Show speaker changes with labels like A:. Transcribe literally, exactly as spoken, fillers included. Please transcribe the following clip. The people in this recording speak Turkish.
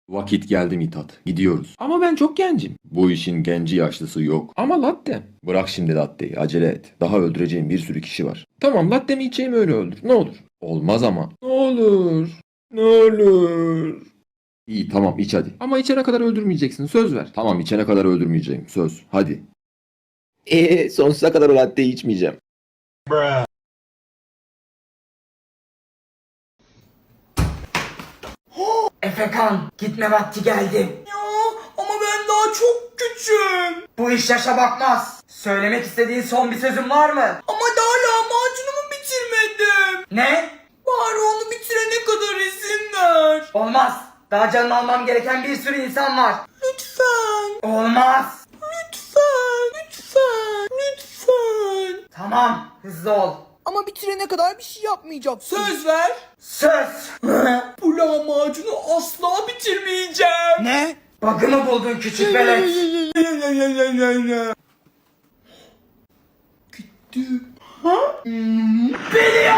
A: Vakit geldi Mithat. Gidiyoruz.
B: Ama ben çok gencim.
A: Bu işin genci yaşlısı yok.
B: Ama latte.
A: Bırak şimdi latteyi. Acele et. Daha öldüreceğim bir sürü kişi var.
B: Tamam latte mi içeyim öyle öldür. Ne olur.
A: Olmaz ama.
B: Ne olur. Ne olur.
A: İyi tamam iç hadi.
B: Ama içene kadar öldürmeyeceksin. Söz ver.
A: Tamam içene kadar öldürmeyeceğim. Söz. Hadi. Eee sonsuza kadar o latteyi içmeyeceğim.
C: Efekan, gitme vakti geldi.
D: Ya ama ben daha çok küçüğüm.
C: Bu iş yaşa bakmaz. Söylemek istediğin son bir sözün var mı?
D: Ama daha lahmacunumu bitirmedim.
C: Ne?
D: Bari onu bitirene kadar izin ver.
C: Olmaz. Daha canını almam gereken bir sürü insan var.
D: Lütfen.
C: Olmaz.
D: Lütfen. Lütfen. Lütfen.
C: Tamam, hızlı ol.
D: Ama bitirene kadar bir şey yapmayacaksın. Söz ver.
C: Söz.
D: Bu lahmacunu asla bitirmeyeceğim.
C: Ne? Bug'ı mı buldun küçük velet?
D: Gitti.
C: Biliyorum.